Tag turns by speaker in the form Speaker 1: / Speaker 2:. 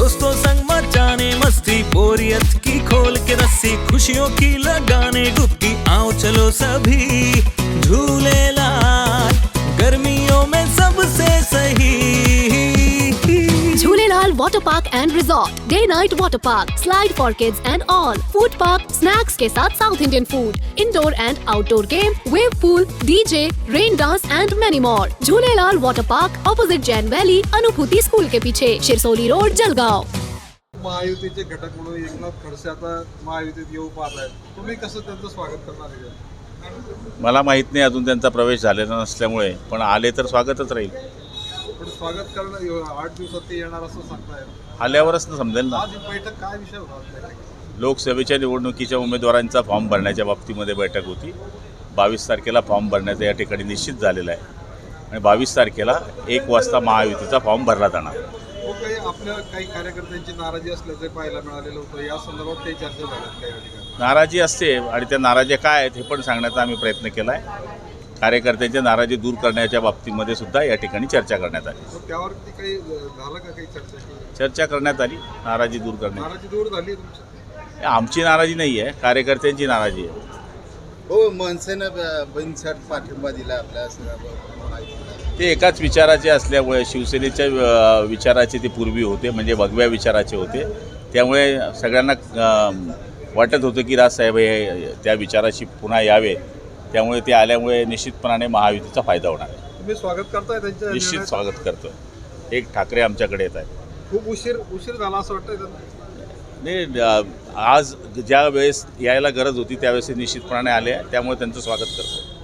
Speaker 1: दोस्तों संग मचाने मस्ती, बोरियत की खोल के रस्सी, खुशियों की लगाने डुबकी, आओ चलो सभी झूलेलाल, गर्मियों में सबसे सही।
Speaker 2: Jhulelal Water Park and Resort, Day Night Water Park, Slide for Kids and all, Food Park, Snacks के साथ South Indian food, Indoor and Outdoor game, Wave Pool, DJ, Rain Dance and many more. Jhulelal Water Park, opposite Jain Valley, Anubhuti school के पीछे, Shirsoli road, Jalgaon.
Speaker 3: महायुतीचे घटक म्हणून एकनाथ खडसे आता महायुतीत येऊ पाहत आहेत. तुम्ही कसं त्यांचं स्वागत करणार आहे?
Speaker 4: मला माहीत नाही अजून त्यांचा प्रवेश झालेला नसल्यामुळे, पण आले तर स्वागतच राहील.
Speaker 3: पण स्वागत करणं 8 दिवसात ते येणार असं सांगताय.
Speaker 4: आल्यावरच ना समजेल ना.
Speaker 3: आज बैठक काय विषय होता?
Speaker 4: लोकसभेच्या निवडणुकीच्या उमेदवारांचा फॉर्म भरण्याच्या बाबतीमध्ये बैठक होती. 22 तारखेला फॉर्म भरण्याचं या ठिकाणी निश्चित झालेलं आहे आणि 22 तारखेला 1 वाजता महायुतीचा फॉर्म भरला जाणार.
Speaker 3: काही आपल्या काही कार्यकर्त्यांची नाराजी असल्याचं पाहायला मिळालेलं होतं. या संदर्भात काही चर्चा झाल्यात काही ठिकाणी?
Speaker 4: नाराजी असते आणि त्या नाराज्या काय आहेत हे पण सांगण्याचा आम्ही प्रयत्न केला आहे. कार्यकर्त्यांच्या नाराजी दूर करण्याच्या बाबतीमध्ये सुद्धा या ठिकाणी चर्चा करण्यात आली.
Speaker 3: त्यावरती काही झालं का, काही
Speaker 4: चर्चा करण्यात आली. नाराजी दूर करण्यात.
Speaker 3: नाराजी दूर झाली तुमची?
Speaker 4: आमची नाराजी नाही आहे, कार्यकर्त्यांची नाराजी आहे.
Speaker 5: हो, मनसेनं बिनशर्त पाठिंबा दिला आपल्या
Speaker 4: ते एकाच विचाराचे असल्यामुळे, शिवसेनेच्या विचाराचे ते पूर्वी होते, म्हणजे भगव्या विचाराचे होते. त्यामुळे सगळ्यांना वाटत होतं की राजसाहेब हे त्या विचाराशी पुन्हा यावे. त्यामुळे ते आल्यामुळे निश्चितपणाने महायुतीचा फायदा होणार आहे.
Speaker 3: तुम्ही स्वागत करताय त्यांच्या?
Speaker 4: निश्चित स्वागत करतो. एक ठाकरे आमच्याकडे येत आहेत.
Speaker 3: खूप उशीर झाला असं वाटतंय त्यांना?
Speaker 4: नाही, आज ज्या वेळेस यायला गरज होती त्यावेळेस निश्चितपणाने आले, त्यामुळे त्यांचं स्वागत करतो.